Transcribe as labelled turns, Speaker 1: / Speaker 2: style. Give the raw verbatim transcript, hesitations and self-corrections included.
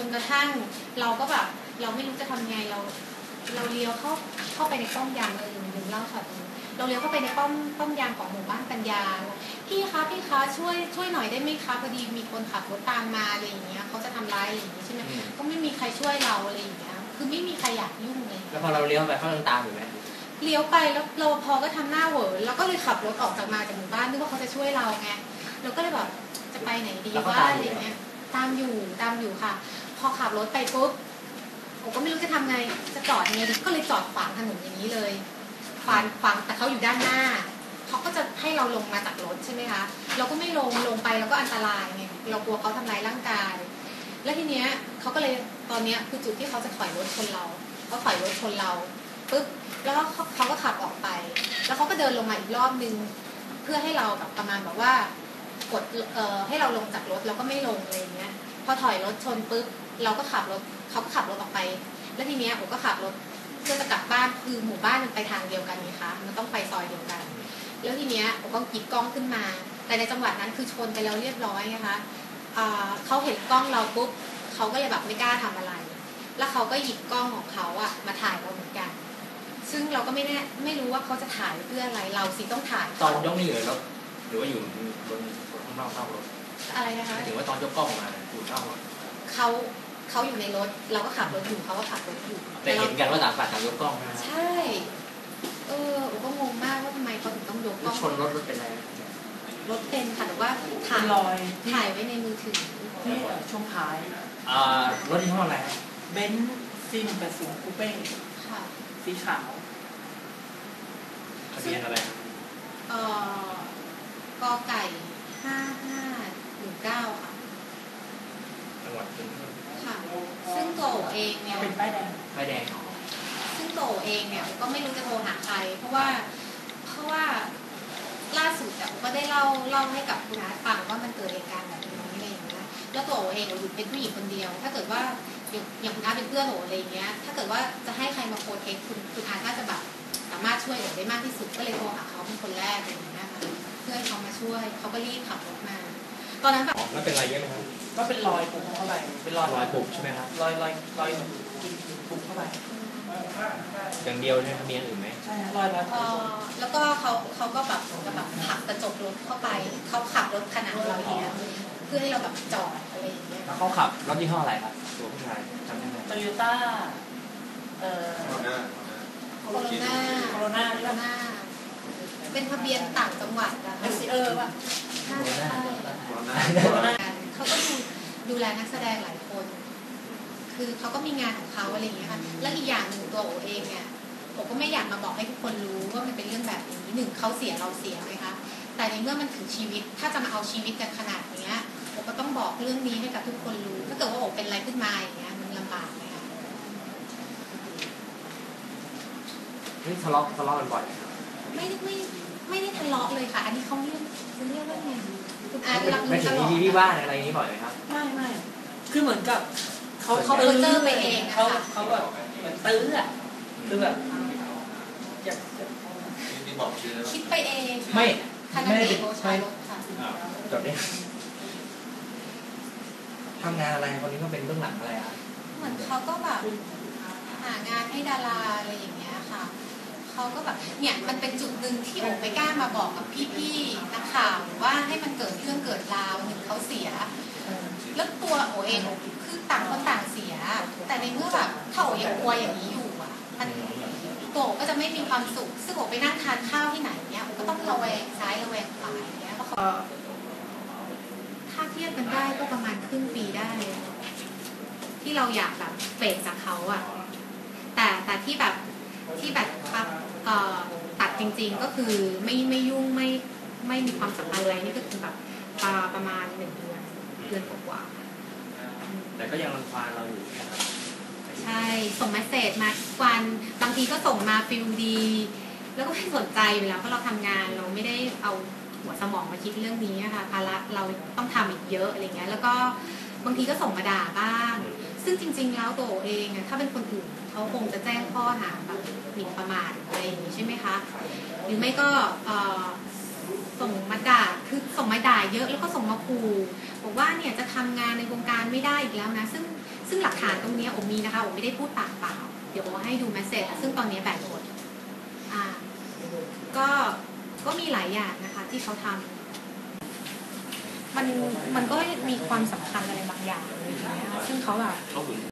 Speaker 1: นกระทั่งเราก็แบบเราไม่รู้จะทำไงเราเราเลี้ยวเข้าเข้าไปในป้อมยามเออหนึ่งเล่าค่ะเราเลี้ยวเข้าไปในป้อมป้อมยามของหมู่บ้านปัญญาพี่คะพี่คะช่วยช่วยหน่อยได้ไหมคะพอดีมีคนขับรถตามมาอะไรอย่างเงี้ยเขาจะทำร้ายอะไรอย่างงี้ใช่ไหมก็ไม่มีใครช่วยเราอะไรอย่างเงี้ยคือไม่มีใครอยากยุ่งเลย
Speaker 2: แล้วพอเราเลี้ยวไปเขายังตามอยู่ไหม
Speaker 1: เลี้ยวไปแล้วรปภก็ทำหน้าเหวอแล้วก็เลยขับรถออกจากมาจากหมู่บ้านนึกว่าเขาจะช่วยเราไงเราก็เลยแบบจะไปไหนดีว่าอะไรเงี้ยตามอยู่ตามอยู่ค่ะพอขับรถไปปุ๊บผมก็ไม่รู้จะทำไงจะจอดยังไงดีก็เลยจอดขวางถนนอย่างนี้เลยขวางขวางแต่เขาอยู่ด้านหน้าเขาก็จะให้เราลงมาจากรถใช่ไหมคะเราก็ไม่ลงลงไปเราก็อันตรายไงเรากลัวเขาทำร้ายร่างกายแล้วทีเนี้ยเขาก็เลยตอนเนี้ยคือจุดที่เขาจะถอยรถชนเราเขาถอยรถชนเราปุ๊บแล้วเขาเขาก็ขับออกไปแล้วเขาก็เดินลงมาอีกรอบนึงเพื่อให้เราแบบประมาณแบบว่ากดเอ่อให้เราลงจากรถแล้วก็ไม่ลงอะไรอย่างเงี้ยพอถอยรถชนปุ๊บเราก็ขับรถเขาก็ขับรถออกไปแล้วทีเนี้ยผมก็ขับรถเพื่อจะกลับบ้านคือหมู่บ้านมันไปทางเดียวกันนี่คะมันต้องไปซอยเดียวกันแล้วทีเนี้ยผมก็หยิบกล้องขึ้นมาแต่ในจังหวะนั้นคือชนไปแล้วเรียบร้อยนะคะเขาเห็นกล้องเราปุ๊บเขาก็เลยแบบไม่กล้าทำอะไรแล้วเขาก็หยิบกล้องของเขาอะมาถ่ายเราเหมือนกันซึ่งเราก็ไม่แน่ไม่รู้ว่าเขาจะถ่ายเพื่ออะไรเราสิต้องถ่าย
Speaker 2: ตอนยกนี่อยู่ในรถหรือว่าอยู่บนข้างนอกนอกรถ
Speaker 1: อะไรนะคะ
Speaker 2: ถึงว่าตอนยกกล้องมาอยู่นอกรถ
Speaker 1: เขาเขาอยู่ในรถเราก็ขับรถอยู่เขาก็ขับรถอยู่
Speaker 2: แต่เห็นกันว่าต่างฝ่ายต่างยกกล้อง
Speaker 1: ใช่เออผมก็งงมากว่าทำไมเขาถึงต้องยกกล้อง
Speaker 2: ชนรถรถเป็นไร
Speaker 1: รถเป็นค่ะแต่ว่าถ่ายถ่ายไว้ในมือถือ
Speaker 3: ที่ช่วงท้าย
Speaker 2: อ่ารถยี่ห้ออะไร
Speaker 3: เบนซ์ซีหนึ่งแปดศูนย์คูเป้
Speaker 1: ค่ะ
Speaker 3: สีขาว
Speaker 2: ทะเบียนอะไร
Speaker 1: เอ่อกอไก่ห้าห้าหนึ่งเก้าค่ะ
Speaker 2: จังหวัดเป็น
Speaker 1: ค่ะซึ่งโตเองเนี่ย
Speaker 3: เป็นป้ายแดง
Speaker 2: ป้ายแดง
Speaker 1: ซึ่งโตเองเนี่ยก็ไม่รู้จะโทรหาใครเพราะว่าเพราะว่าล่าสุดแต่ก็ได้เล่าเล่าให้กับคุณอาฟังว่ามันเกิดเหตุการณ์แบบนี้อะไรอย่างเงี้ยแล้วโตเองอยู่เป็นผู้หญิงคนเดียวถ้าเกิดว่าอย่างคุณอาเป็นเพื่อนโตอะไรอย่างเงี้ยถ้าเกิดว่าจะให้ใครมาโพสเทคคุณคุณอาน่าจะแบบสามารถช่วยเหลือได้มากที่สุดก็เลยโทรหาเขาเป็นคนแรกอะไรอย่างเงี้ยค่ะเพื่อให้เขามาช่วยเขาก็รีบขับรถมาตอนนั้นแบบ
Speaker 2: แล้วเป็นอะไรเยอะไหมครับ
Speaker 3: ก็เป็นรอยปุบเข้าไปเป็นรอย
Speaker 2: รอยปุบใช่ไหมครับ
Speaker 3: รอยรอยรอยปุบเข้าไป
Speaker 2: อย่างเดียวใช่ไหมมีอย่างอื่นไหม
Speaker 3: ใช่รอยแล้ว
Speaker 1: แล้วก็เขาเขาก็แบบแบบผลักกระจกรถเข้าไปเขาขับรถขนาดเราอย่างเงี้ยเพื่อให้เราแบบจอดอะไรอย่างเงี้ย
Speaker 2: แล้วเขาขับรถยี่ห้ออะไรครับตัวผู้ชายจำได้ไหม
Speaker 3: โตโยต้าเอ่อ
Speaker 1: โคโรนาโคโรนา
Speaker 3: โคโรนา
Speaker 1: โคโรนาเป็นทะเบียนต่างจังหวัดอะเออว่ะใช่ใช่เขาก็ดูดูแลนักแสดงหลายคนคือเขาก็มีงานของเขาอะไรอย่างเงี้ยค่ะแล้วอีกอย่างหนึ่งตัวโอเองเนี่ยผมก็ไม่อยากมาบอกให้ทุกคนรู้ว่ามันเป็นเรื่องแบบนี้หนึ่งเขาเสียเราเสียไหมคะแต่ในเมื่อมันถึงชีวิตถ้าจะมาเอาชีวิตกันขนาดนี้ผมก็ต้องบอกเรื่องนี้ให้กับทุกคนรู้ถ้าเกิดว่าโอเป็นอะไรขึ้นมาอย่างเงี้ยมันลำบากไหมคะ
Speaker 2: นี่ทะเลาะทะเลาะกันบ่อย
Speaker 1: ไม่ไม่ไม่ได้ทะเลาะเลยค่ะอันนี้เขาเรียกจะเรียกว่าไงคุณอาร์ตรัก
Speaker 2: ไม่ถึงที่ที่บ้านอะไรนี้บ่อยไหมครับ
Speaker 3: ไม่ไม่คือเหมือนกับ
Speaker 1: เขาเขาเจอไปเอง
Speaker 3: เขาเขาแบบเหมือนตื้ออ่ะคือแบบอยาก
Speaker 1: คิดไปเอง
Speaker 2: ไม่ไม่ได้
Speaker 1: ใช่
Speaker 2: จดได้ทำงานอะไรคนนี้ก็เป็นเบื้องหลังอะไรอ่ะ
Speaker 1: เหมือนเขาก็แบบหางานให้ดาราอะไรอย่างเงี้ยค่ะเขาก็แบบเนี่ยมันเป็นจุดหนึ่งที่โอไม่กล้ามาบอกกับพี่ๆนักข่าวว่าให้มันเกิดเรื่องเกิดราวหนึ่งเขาเสียแล้วตัวโอเองคือต่างคนต่างเสียแต่ในเมื่อแบบถ้าโอยังกลัวอย่างนี้อยู่อ่ะมันตัวโอก็จะไม่มีความสุขซึ่งโอไปนั่งทานข้าวที่ไหนเนี่ยโอก็ต้องระแวงซ้ายระแวงขวาอย่างเงี้ยเพราะเขาถ้าเทียบกันได้ก็ประมาณครึ่งปีได้ที่เราอยากแบบเฟดจากเขาอ่ะแต่แต่ที่แบบที่แบบตัดจริงๆก็คือไม่ไม่ยุ่งไม่ไม่มีความสัมพันธ์อะไรนี่ก็คือแบบประมาณหนึ่งเดือนเดือนกว่า
Speaker 2: แต่ก็ยังรังควานเราอยู่
Speaker 1: ใช่ส่งเมสเสจมาทุกวันบางทีก็ส่งมาฟิลดีแล้วก็ไม่สนใจอยู่แล้วเพราะเราทำงานเราไม่ได้เอาหัวสมองมาคิดเรื่องนี้นะคะภาระเราต้องทำอีกเยอะอะไรเงี้ยแล้วก็บางทีก็ส่งมาด่าบ้างซึ่งจริงๆแล้วตัวเองถ้าเป็นคนอื่นเขาคงจะแจ้งข้อหาแบบหมิ่นประมาทอะไรอย่างนี้ใช่ไหมคะหรือไม่ก็ส่งมาด่าคือส่งมาด่าเยอะแล้วก็ส่งมาขู่บอกว่าเนี่ยจะทำงานในวงการไม่ได้อีกแล้วนะซึ่งซึ่งหลักฐานตรงนี้โอมีนะคะโอไม่ได้พูดปากเปล่าเดี๋ยวโอให้ดูเมสเซจซึ่งตอนนี้แบตหมดอ่าก็ก็มีหลายอย่างนะคะที่เขาทำมันมันก็มีความสำคัญอะไรบางอย่างเลยนะคะซึ่งเขาแบบ